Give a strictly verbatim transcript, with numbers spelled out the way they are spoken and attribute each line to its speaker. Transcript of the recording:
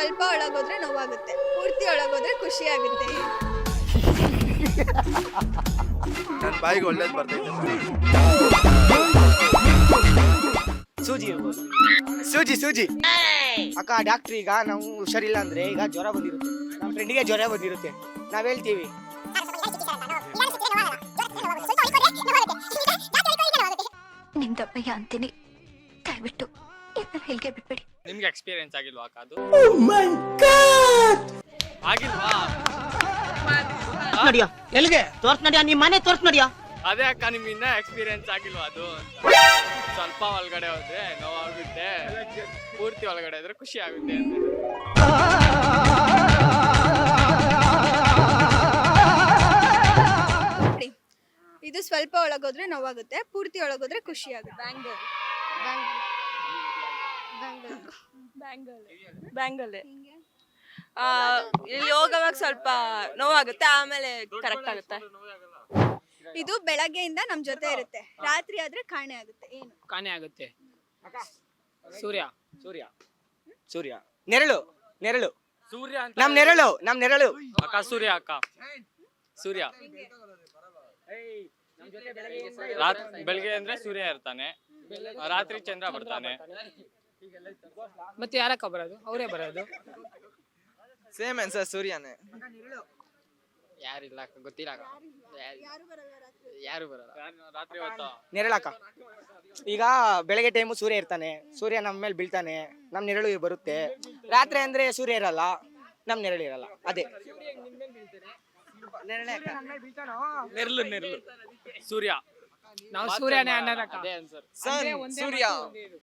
Speaker 1: ಸ್ವಲ್ಪ ಒಳಗೋದ್ರೆ ನೋವಾಗುತ್ತೆ, ಪೂರ್ತಿ ಒಳಗೋದ್ರೆ ಖುಷಿ ಆಗುತ್ತೆ.
Speaker 2: ನನ್ನ ಬಾಯಿಗೆ ಒಳ್ಳೇದು ಬರ್ತೈತೆ.
Speaker 3: ಸೂಜಿ ಇರ್ಬೋದು. ಸೂಜಿ ಸೂಜಿ ಅಕ್ಕ ಡಾಕ್ಟ್ರ್ ಈಗ ನಾವು ಹುಷಾರಿಲ್ಲ ಅಂದ್ರೆ ಈಗ ಜ್ವರ ಬಂದಿರುತ್ತೆ, ನಮ್ಮ ಫ್ರೆಂಡಿಗೆ ಜ್ವರ ಬಂದಿರುತ್ತೆ, ನಾವ್ ಹೇಳ್ತೀವಿ
Speaker 4: ನಿಮ್ದಪ್ಪಯ್ಯ ಅಂತೀನಿ, ದಯವಿಟ್ಟು ಇದನ್ನ ಹೇಳಿಕೆ ಬಿಟ್ಬಿಡಿ.
Speaker 5: ನಿಮ್ಗೆ ಎಕ್ಸ್ಪೀರಿಯನ್ಸ್ ಆಗಿಲ್ವಾ ಅಕ್ಕ ಅದು? ಆಗಿಲ್ವಾ?
Speaker 6: ನಡಿಯೋ ಎಲ್ಲಿಗೆ ತೋರ್ಸ್ ನಡಿಯೋ, ನಿಮ್ ಮನೆ ತೋರ್ಸ್ ನಡಿಯೋ.
Speaker 5: ಅದೇ ಅಕ್ಕ, ನಿಮ್ಗೆ ಇನ್ನ ಎಕ್ಸ್ಪೀರಿಯನ್ಸ್ ಆಗಿಲ್ವಾ ಅದು? ಸ್ವಲ್ಪ ಒಳಗಡೆ ಹೋದ್ರೆ ನೋವಾಗುತ್ತೆ, ಪೂರ್ತಿ ಒಳಗಡೆ ಹೋದ್ರೆ ಖುಷಿ ಆಗುತ್ತೆ ಅಂತ.
Speaker 1: ಇದು ಸ್ವಲ್ಪ ಒಳಗೋದ್ರೆ ನೋವಾಗುತ್ತೆ, ಪೂರ್ತಿ ಒಳಗೋದ್ರೆ ಖುಷಿ ಆಗುತ್ತೆ.
Speaker 7: ಬ್ಯಾಂಗಲ್ ಬ್ಯಾಂಗಲ್ ಬ್ಯಾಂಗಲ್ ಇಲ್ಲಿ ಹೋಗೋವಾಗ ಸ್ವಲ್ಪ ನೋವಾಗುತ್ತೆ, ಆಮೇಲೆ ಕರೆಕ್ಟ್ ಆಗುತ್ತೆ.
Speaker 1: ಇದು ಬೆಳಗ್ಗೆಯಿಂದ ನಮ್ ಜೊತೆ ಇರುತ್ತೆ, ರಾತ್ರಿ ಆದ್ರೆ ಕಾಣೆ ಆಗುತ್ತೆ. ಏನು
Speaker 6: ಕಾಣೆ ಆಗುತ್ತೆ?
Speaker 3: ಸೂರ್ಯ ಸೂರ್ಯ ಸೂರ್ಯ ನೆರಳು ನೆರಳು
Speaker 5: ಸೂರ್ಯ ಅಂತ
Speaker 3: ನಮ್ ನೆರಳು ನಮ್ ನೆರಳು
Speaker 5: ಅಕ್ಕ, ಸೂರ್ಯ ಅಕ್ಕ, ಸೂರ್ಯ. ರಾತ್ ಬೆಳಿಗ್ಗೆ ಅಂದ್ರೆ ಸೂರ್ಯ ಇರ್ತಾನೆ, ರಾತ್ರಿ ಚಂದ್ರ ಬರ್ತಾನೆ.
Speaker 6: ಮತ್ತೆ ಯಾರಕ್ಕ ಬರೋದು? ಅವರೇ ಬರೋದು.
Speaker 2: ಸೇಮ್ ಆನ್ಸರ್, ಸೂರ್ಯನೇ.
Speaker 5: ಯಾರಿಲ್ಲ ಅಕ್ಕ, ಗೊತ್ತಿಲ್ಲ ಅಕ್ಕ, ಯಾರು ಬರಲ್ಲ ರಾತ್ರಿ ಹೊತ್ತು.
Speaker 3: ನೆರಳಕ್ಕ. ಈಗ ಬೆಳಗ್ಗೆ ಟೈಮು ಸೂರ್ಯ ಇರ್ತಾನೆ, ಸೂರ್ಯ ನಮ್ಮ ಮೇಲೆ ಬೀಳ್ತಾನೆ, ನಮ್ ನೆರಳು ಬರುತ್ತೆ. ರಾತ್ರಿ ಅಂದ್ರೆ ಸೂರ್ಯ ಇರಲ್ಲ, ನಮ್ ನೆರಳು ಇರಲ್ಲ. ಅದೇ
Speaker 5: ನೆರಳು ನೆರಳು ಸೂರ್ಯ.
Speaker 6: ನಾವು ಸೂರ್ಯನೇ ಅನ್ನೋದಕ್ಕ.
Speaker 5: ಅದೇ ಆನ್ಸರ್.
Speaker 2: ಸನ್, ಸೂರ್ಯ.